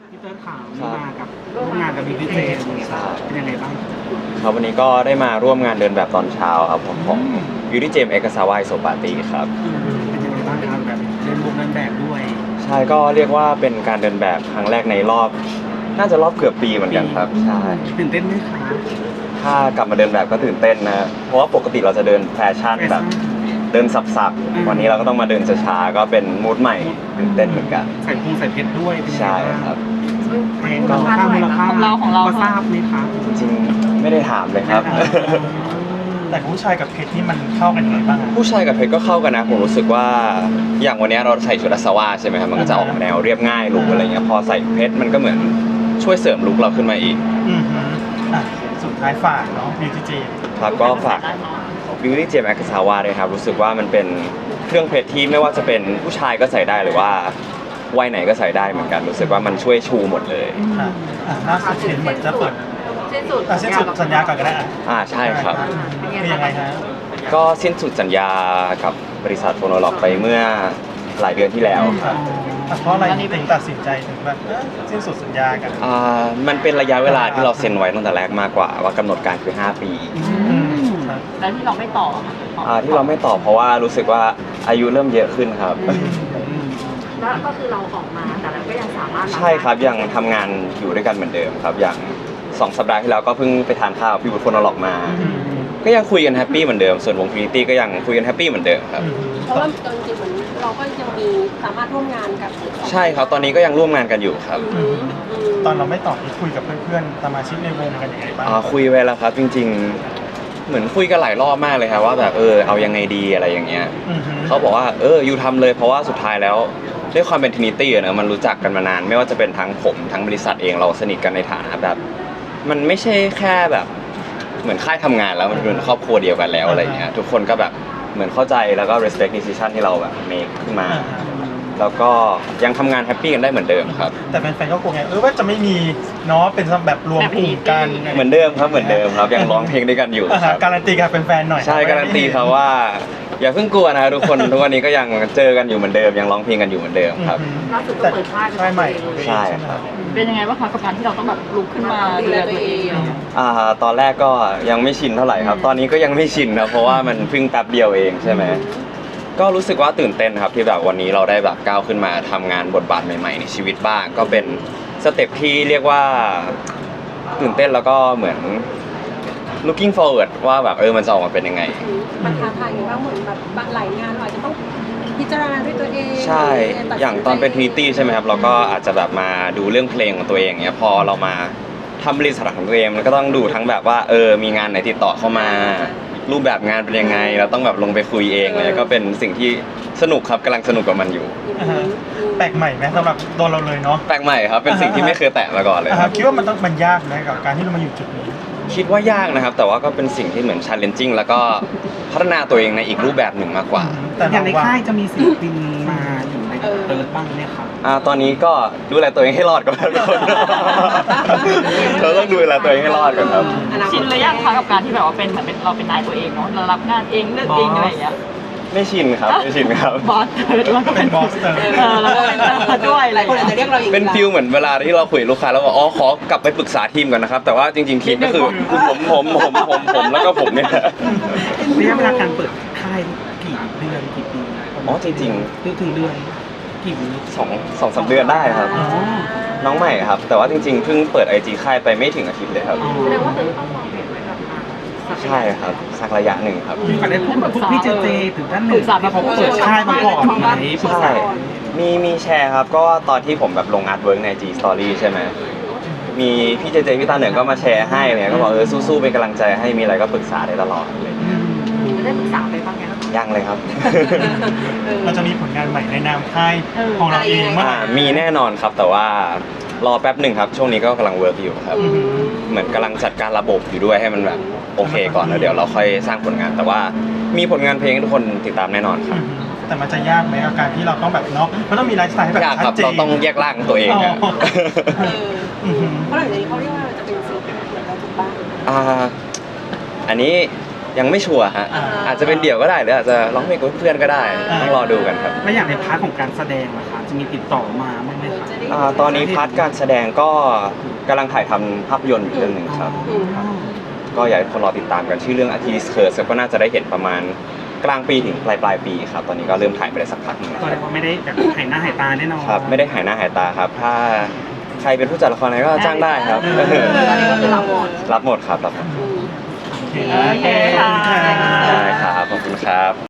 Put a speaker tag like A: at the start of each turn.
A: พี่เติร์ดข่าวนี่มากับร่วมงานกับบิ๊กเจเป็นยังไงบ้าง
B: ครับวันนี้ก็ได้มาร่วมงานเดินแบบตอนเช้าครับของยูริเจมเอกซาวายโซปาตีครับ
A: เป็นยังไงบ้างครับแบบเดินแบบด้วย
B: ใช่ก็เรียกว่าเป็นการเดินแบบครั้งแรกในรอบน่าจะรอบเกือบปีเหมือนกันครับใช่
A: ตื่นเต้นไหมคะ
B: ถ้ากลับมาเดินแบบก็ตื่นเต้นนะเพราะว่าปกติเราจะเดินแฟชั่นแบบเดินสับๆวันนี้เราก็ต้องมาเดินช้าๆก็เป็นมูดใหม่ตื่นเต้นเหมือนกัน
A: ใส่พุงใส่เพชรด้วย
B: ใช่ครับ
A: แพงก็มูลค่าของเราทราบไหมครับ
B: จริงๆไม่ได้ถามเลยครับ
C: แต่ผู้ชายกับเพชรนี่มันเข้ากันยังไงบ้าง
B: ผู้ชายกับเพชรก็เข้ากันนะผมรู้สึกว่าอย่างวันนี้เราใส่ชุดอาสวะใช่ไหมครับมันก็จะออกแนวเรียบง่ายลุคอะไรเงี้ยพอใส่เพชรมันก็เหมือนช่วยเสริมลุคเราขึ้นมาอีก
C: สุดท้ายฝากเนาะบิวตี้เจม
B: ครับก็ฝากบิวตี้เจมแอคซาวาเลยครับรู้สึกว่ามันเป็นเครื่องเพชรที่ไม่ว่าจะเป็นผู้ชายก็ใส่ได้หรือว่าวัยไหนก็ใส่ได้เหมือนกันรู้สึกว่ามันช่วยชูหมดเลย
C: ล่าสุดเห็นเหมือนจะเปิดสิ้นสุดสัญญาก่อนก็ได้
B: ใช่ครับ
C: เป็นยังไงฮะ
B: ก็สิ้นสุดสัญญากับบริษัทโฟโนโลกไปเมื่อหลายเดือนที่แล้ว
C: เพราะอะไรถึงตัดสินใจถึงแบบสิ้นสุดสัญญากัน
B: มันเป็นระยะเวลาที่เราเซ็นไว้ตั้งแต่แรกมากกว่าว่ากำหนดการคือ5 ปี
D: แล้วที่เราไม่ต่อ
B: ที่เราไม่ต่อเพราะว่ารู้สึกว่าอายุเริ่มเยอะขึ้นครับ
D: แล้วก็คือเราออกมาแต่เราก็ยังสามารถ
B: ใช่ครับยังทำงานอยู่ด้วยกันเหมือนเดิมครับอย่าง2 สัปดาห์ที่แล้วก็เพิ่งไปทานข้าวพี่บุตรโฟโนโลกมาก็ยังคุยกันแฮปปี้เหมือนเดิมส่วนวงฟินิตี้ก็ยังคุยกันแฮปปี้เหมือนเดิมครับ
D: เพราะว่าจริงๆเหมือนเราก็ยังมีสามารถร่วมงานกับ
B: ใช่ครับตอนนี้ก็ยังร่วมงานกันอยู่ครับ
C: ตอนเราไม่ตอบคุยกับเพื่อนๆสมาชิกในวงกันยังไงบ้าง
B: คุยไว้แล้วครับจริงๆเหมือนคุยกันหลายรอบมากเลยครับว่าแบบเอายังไงดีอะไรอย่างเงี้ยเขาบอกว่าอยู่ทำเลยเพราะว่าสุดท้ายแล้วด้วยความเป็นทรินิตี้นะมันรู้จักกันมานานไม่ว่าจะเป็นทั้งผมทั้งบริษัทเองเราสนิทกันในฐานะแบบมันไม่ใช่แค่แบบเหมือนค่ายทำงานแล้วมันเป็นครอบครัวเดียวกันแล้วอะไรเงี้ยทุกคนก็แบบเหมือนเข้าใจแล้วก็ respect decision ที่เราแบบ make ขึ้นมาแล้วก็ยังทำงานแฮปปี้กันได้เหมือนเดิมครับ
C: แต่แฟนๆก็กลัวไงว่าจะไม่มีเนาะเป็นแบบรวมกลุ่มกัน
B: เหมือนเดิมครับเหมือนเดิมครับยังร้องเพลงด้วยกันอยู่ครับ
C: การันตีกับแฟนๆหน่อย
B: ใช่การันตีครับว่าอย่าเพิ่งกลัวนะทุกคนทุกวันนี้ก็ยังเจอกันอยู่เหมือนเดิมยังร้องเพลงกันอยู่เหมือนเดิมครับ
D: ล่าสุดก็เปิดค่าย
C: ใหม่
B: ใช่ครับ
D: เป็นยังไงบ้างคะกับการที่เราต้องแบบลุกขึ้นมาดูแลตัวเอง
B: ตอนแรกก็ยังไม่ชินเท่าไหร่ครับตอนนี้ก็ยังไม่ชินนะเพราะว่ามันเพิ่งแป๊บเดียวเองใช่ไหมก็รู้สึกว่าตื่นเต้นครับที่แบบวันนี้เราได้แบบก้าวขึ้นมาทำงานบทบาทใหม่ๆในชีวิตบ้างก็เป็นสเต็ปที่เรียกว่าตื่นเต้นแล้วก็เหมือน looking forward ว่าแบบมันจะออกมาเป็นยังไง
D: มันท้าทายอยู่ว่าเหมือนแบบหลายงานเราอาจจะต้องพิจารณาด้วยตัวเอง
B: ใช่อย่างตอนเป็น Trinity ใช่ไหมครับเราก็อาจจะแบบมาดูเรื่องเพลงของตัวเองเนี้ยพอเรามาทำบริษัทของตัวเองมันก็ต้องดูทั้งแบบว่ามีงานไหนติดต่อเข้ามารูปแบบงานเป็นยังไงเราต้องแบบลงไปคุยเองเลยก็เป็นสิ่งที่สนุกครับกำลังสนุกกับมันอยู่
C: แปลกใหม่ไหมสำหรับตัวเราเลยเนาะ
B: แปลกใหม่ครับเป็นสิ่งที่ไม่เคยแตะมาก่อนเลย
C: คิดว่ามันยากไหมกับการที่เรามาอยู่จุดนี้
B: คิดว่ายากนะครับแต่ว่าก็เป็นสิ่งที่เหมือน challenging แล้วก็พัฒนาตัวเองในอีกรูปแบบหนึ่งมากกว่า
A: อย่างในค่ายจะมีศิลปินมาอยู่ในเติร์ดบ้างไหมครับ
B: ตอนนี้ก็ดูแลตัวเองให้รอดก่อนทุกคนเราต้องดูแลตัวเองให้รอดก่อนครับ
D: ชินเลยยังคะกับการที่แบบว่าเป็นเหมือนเราเป็นนายตัวเองเนาะเรารับงานเองเลือกเองอะไรอย่างเงี้ย
B: ไม่ชินครับไม่ชินครับ
D: บอสเตอร์ด้วย
C: เป็นบอสเตอร์
D: แล้วก็เป็นด้วยอะไรคนอาจจะเรียกเราอีก
B: เป็นฟิลเหมือนเวลาที่เราคุยลูกค้าแล้วบอกขอกลับไปปรึกษาทีมก่อนนะครับแต่ว่าจริงๆทีมก็คือผมแล้วก็ผมเนี่ย
A: ระยะเวลาการเปิดค่ายกี่เดือนกี่ปี
B: จริง
A: ถึงเดือนกี่ปี
B: 2-3 เดือนได้ครับน้องใหม่ครับแต่ว่าจริงๆเพิ่งเปิด IG ค่ายไปไม่ถึงอาทิตย์เลยครับ
D: แสดงว่าต้องมองเห็นไว้แบบ
B: ใช่ครับสักระยะหนึ่งครับ
A: ก่อนได้พูดกับพี่เจถึงท่านหนึ่งที่เขาเปิดค่ายมาก่อนไหม
B: ใช่มีแชร์ครับก็ตอนที่ผมแบบลงอาร์ตเวิร์กใน G Story ใช่ไหมมีพี่เจพี่ตาเหนือก็มาแชร์ให้เนี่ยก็บอกสู้ๆเป็นกำลังใจให้มีอะไรก็ปรึกษาได้ตลอดเลย
D: ได้ปรึกษาไปบ้าง
B: ยังเลยครับ
C: เราจะมีผลงานใหม่ในนามค่ายของเราเองมั้ย
B: มีแน่นอนครับแต่ว่ารอแป๊บหนึ่งครับช่วงนี้ก็กำลังเวิร์กอยู่ครับเหมือนกำลังจัดการระบบอยู่ด้วยให้มันแบบโอเคก่อนแล้วเดี๋ยวเราค่อยสร้างผลงานแต่ว่ามีผลงานเพลงให้ทุกคนติดตามแน่นอนครับ
C: แต่มันจะยากไหมกับการที่เราต้องแบบเนาะมันต้องมีไลฟ์สไตล์แบบชัดเจน
B: เราต้องแยกร่างตัวเอง
D: เพราะหลังจากนี้เขาเรียกว่าจะเป็นศิลปินเหมือนเราถูกบ้าง
B: อันนี้ยังไม่ชัวร์ฮะอาจจะเป็นเดี่ยวก็ได้หรืออาจจะร้องเพลงกับเพื่อนก็ได้ต้องรอดูกันครับ
A: แล้วอย่างในพาร์ทของการแสดงนะคะจะมีติดต่อมาบ้างไหมครับ
B: ตอนนี้พาร์ทการแสดงก็กำลังถ่ายทำภาพยนตร์อยู่เรื่องหนึ่งครับ ก็อยากให้คนรอติดตามกันชื่อเรื่องอาทิตย์เคิร์สก็น่าจะได้เห็นประมาณกลางปีถึงปลายปีครับตอนนี้ก็เริ่มถ่ายไปได้สักพักหนึงแล้ว
A: ก็เรียกว่าไม่ได้แบบหายหน้าหายตาแน่นอน
B: ครับไม่ได้หายหน้าหายตาครับ ถ้าใครเป็นผู้จัดละครอะไรก็จ้างได้ครับ
D: ตอนนี้ก็คือรับหมด
B: รับหมดครับรับหมด
A: โอเค
D: โอเคค่ะ
B: ได้ครับขอบคุณครับ